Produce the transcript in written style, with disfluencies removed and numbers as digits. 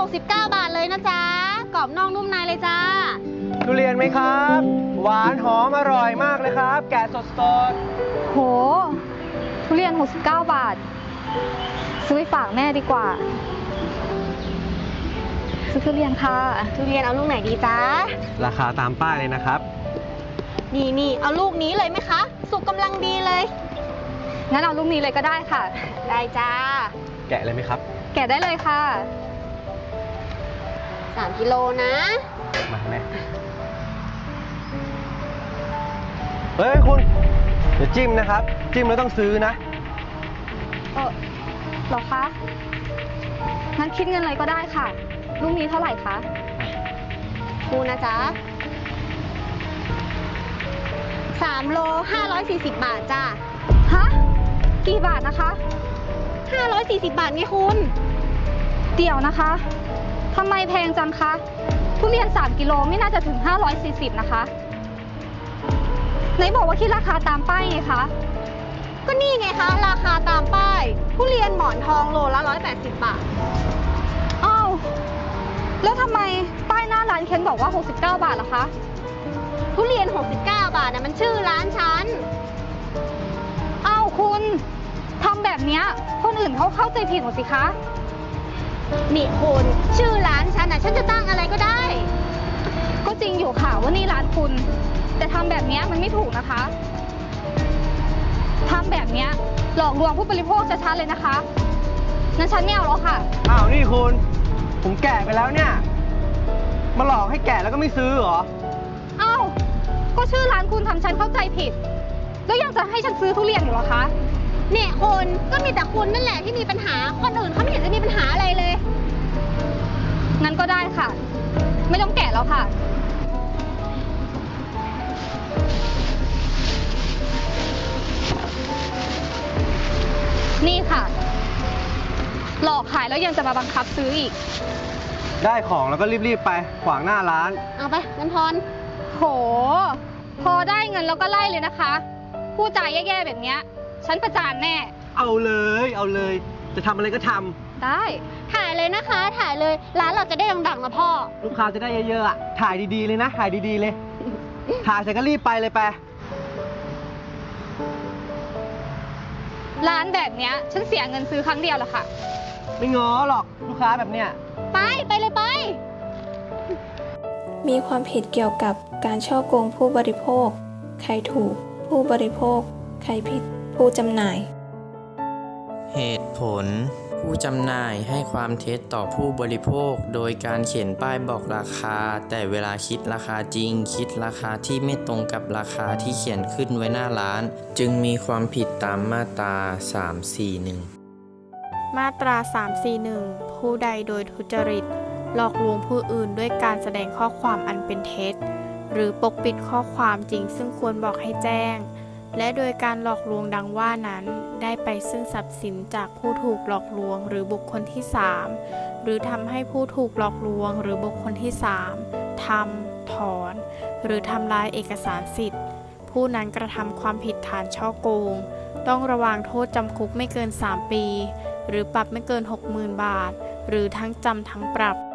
69 บาทเลยนะจ๊ะกรอบนอกนุ่มในเลยจ้าทุเรียนไหมครับ หวานหอมอร่อยมากเลยครับ แกะสดโห ทุเรียน69 บาท ซื้อไปฝากแม่ดีกว่า ซื้อทุเรียนค่ะทุเรียนเอาลูกไหนดีจ๊ะๆราคาตามป้ายเลยนะครับนี่เอาลูกนี้เลยไหมคะ สุกกำลังดีเลยงั้นเอาลูกนี้เลยก็ได้ค่ะได้จ้าแกะเลยไหมครับแกะได้เลยค่ะ 3 กิโลนะมาแม่เฮ้ยคุณเดี๋ยวจิ้มนะครับ จิ้มแล้วต้องซื้อนะหรอคะ งั้นคิดเงินอะไรก็ได้ค่ะ ลูกนี้เท่าไหร่คะคูนะจ๊ะ3 โล 540 บาทจ้าฮะ กี่บาทนะคะ 540 บาทไงคุณเดี๋ยวนะคะทำไมแพงจังคะ ทุเรียน3 กิโลไม่น่าจะถึง540นะคะ ไหนบอกว่าคิดราคาตามป้ายไงคะก็นี่ไงคะ ราคาตามป้ายทุเรียนหมอนทองโลละ180 บาทอ้าว แล้วทำไมป้ายหน้าร้านเคนบอกว่า69 บาทล่ะคะทุเรียน 69 บาทนะมันชื่อร้านฉันอ้าวคุณทำแบบเนี้ยคนอื่นเขาเข้าใจผิดหมดสิคะนี่คุณชื่อร้านฉันนะฉันจะตั้งอะไรก็ได้ก็จริงอยู่ค่ะว่านี่ร้านคุณ แต่ทำแบบเนี้ยมันไม่ถูกนะคะทำแบบเนี้ยหลอกลวงผู้บริโภคชัดๆเลยนะคะงั้นฉันไม่เอาแล้วค่ะอ้าวนี่คุณ ผมแกะไปแล้วเนี่ย มาหลอกให้แกะแล้วก็ไม่ซื้อเหรออ้าวก็ชื่อร้านคุณทำฉันเข้าใจผิด แล้วยังจะให้ฉันซื้อทุเรียนอยู่เหรอคะเนี่ยคุณก็มีแต่คุณนั่นแหละที่มีปัญหา คนอื่นเขาไม่เห็นจะมีปัญหาอะไรเลยงั้นก็ได้ค่ะ ไม่ต้องแกะแล้วค่ะ นี่ค่ะ หลอกขายแล้วยังจะมาบังคับซื้ออีกได้ของแล้วก็รีบๆไป ขวางหน้าร้านเอาไปเงินทอนโห พอได้เงินแล้วก็ไล่เลยนะคะพูดจาแย่ๆแบบเนี้ยฉันประจานแน่เอาเลย จะทำอะไรก็ทำได้ถ่ายเลยนะคะ ถ่ายเลย ร้านเราจะได้ดังๆนะพ่อลูกค้าจะได้เยอะๆอ่ะ ถ่ายดีๆเลยนะ ถ่ายดีๆเลย ถ่ายเสร็จก็รีบไปเลยไปร้านแบบเนี้ยฉันเสียเงินซื้อครั้งเดียวแหละค่ะไม่ง้อหรอกลูกค้าแบบเนี้ยไปเลยไปมีความผิดเกี่ยวกับการฉ้อโกงผู้บริโภค ใครถูก ผู้บริโภค ใครผิด ผู้จำหน่ายเหตุผล ผู้จำหน่ายให้ความเท็จต่อผู้บริโภค โดยการเขียนป้ายบอกราคา แต่เวลาคิดราคาจริง คิดราคาที่ไม่ตรงกับราคาที่เขียนขึ้นไว้หน้าร้าน จึงมีความผิดตามมาตรา 341 มาตรา 341 ผู้ใดโดยทุจริต หลอกลวงผู้อื่นด้วยการแสดงข้อความอันเป็นเท็จ หรือปกปิดข้อความจริงซึ่งควรบอกให้แจ้ง และโดยการหลอกลวงดังว่านั้น ได้ไปซึ่งทรัพย์สินจากผู้ถูกหลอกลวงหรือบุคคลที่ 3 หรือทำให้ผู้ถูกหลอกลวงหรือบุคคลที่ 3 ทำ ถอน หรือทำลายเอกสารสิทธิ์ ผู้นั้นกระทำความผิดฐานฉ้อโกง ต้องระวางโทษจำคุกไม่เกิน 3 ปี หรือปรับไม่เกิน 60,000 บาท หรือทั้งจำทั้งปรับ